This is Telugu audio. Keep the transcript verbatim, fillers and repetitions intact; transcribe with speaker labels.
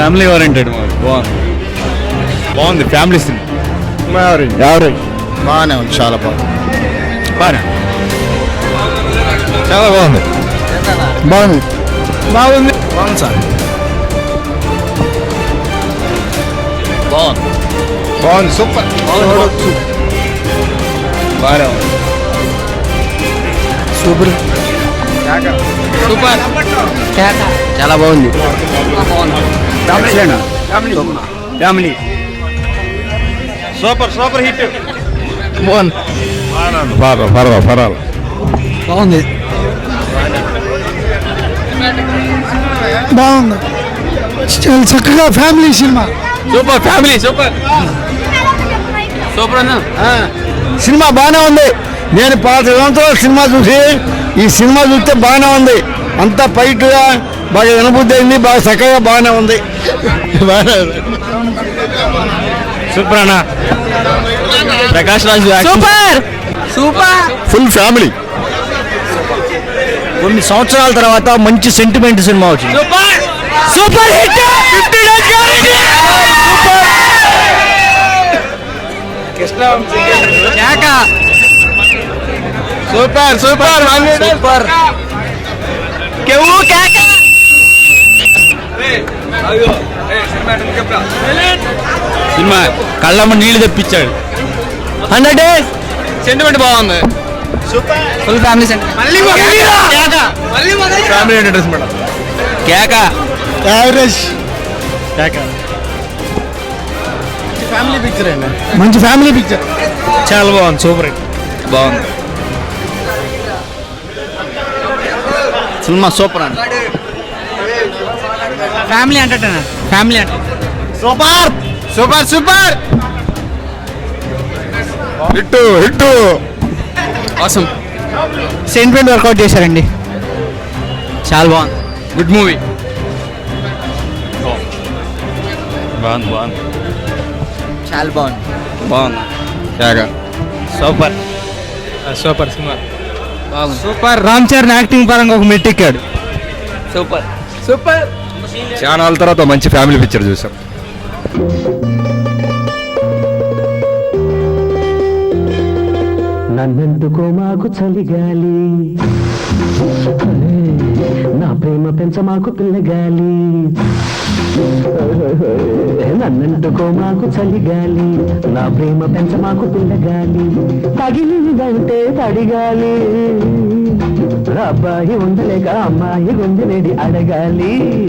Speaker 1: ఫ్యామిలీ ఓరియంటెడ్ మూవీ బాగుంది బాగుంది ఫ్యామిలీ సినిమా
Speaker 2: ఎవరు బాగానే ఉంది, చాలా బాగుంది,
Speaker 1: బాగా
Speaker 2: చాలా బాగుంది, బాగుంది బాగుంది
Speaker 1: బాగుంది సార్ బాగుంది
Speaker 2: బాగుంది సూపర్
Speaker 1: బాగా
Speaker 2: సూపర్
Speaker 1: సూపర్
Speaker 2: చాలా బాగుంది
Speaker 1: ఫ్యామిలీ సూపర్ సూపర్ హిట్
Speaker 2: బాగుంది పర్వాలేదు పర్వాలేదు పర్వాలేదు
Speaker 3: బాగుంది బాగుంది చాలా చక్కగా family cinema
Speaker 1: super family super super అన్న
Speaker 2: సినిమా బాగానే ఉంది. నేను పాత సంవత్సరాల సినిమా చూసి ఈ సినిమా చూస్తే బాగానే ఉంది, అంతా ఫైట్గా బాగా వినబుద్ధి అయింది, బాగా చక్కగా బాగానే ఉంది.
Speaker 1: సూపర్ అన్న Prakash Raj
Speaker 3: super super
Speaker 2: full family.
Speaker 3: కొన్ని సంవత్సరాల తర్వాత మంచి సెంటిమెంట్ సినిమా వచ్చింది. Super hit
Speaker 1: super super
Speaker 3: super
Speaker 1: cinema కళ్ళమ్మ నీళ్లు తెప్పించాడు.
Speaker 3: హండ్రెడ్ డేస్
Speaker 1: సెంటిమెంట్ బాగుంది.
Speaker 3: Full family sentiment.
Speaker 1: Family entertainment madam. కేక
Speaker 2: యావరేజ్
Speaker 1: కేక
Speaker 2: ఫ్యామిలీ పిక్చర్ అండి,
Speaker 3: మంచి ఫ్యామిలీ పిక్చర్.
Speaker 1: చాలా బాగుంది. సూపర్ హిట్ బాగుంది. సినిమా సూపర్ అండి.
Speaker 3: Family entertainer family entertainer
Speaker 2: super super super hit hit
Speaker 1: అవసరం
Speaker 3: సెంటిమెంట్ వర్కౌట్ చేశారండి, చాలా బాగుంది.
Speaker 1: Good movie. బాగుంది బాగుంది
Speaker 3: చాలా బాగుంది
Speaker 1: బాగుంది. కేక సూపర్ సూపర్ సినిమా బాగుంది.
Speaker 3: సూపర్. రామ్ చరణ్ యాక్టింగ్ పరంగా ఒక మెట్టెక్కాడు.
Speaker 1: Super
Speaker 3: super.
Speaker 2: చాలా నాళ్ళ తర్వాత మంచి ఫ్యామిలీ పిక్చర్ చూసాం.
Speaker 4: నన్నెందుకో మాకు చలిగాలి, నా ప్రేమ పెంచ మాకు పిల్లగాలి. నన్నెందుకో మాకు చలిగాలి, నా ప్రేమ పెంచ మాకు పిల్లగాలి. తగిలిందంటే తడిగాలి, అబ్బాయి ఉండలేక అమ్మాయి గుంజనేది అడగాలి.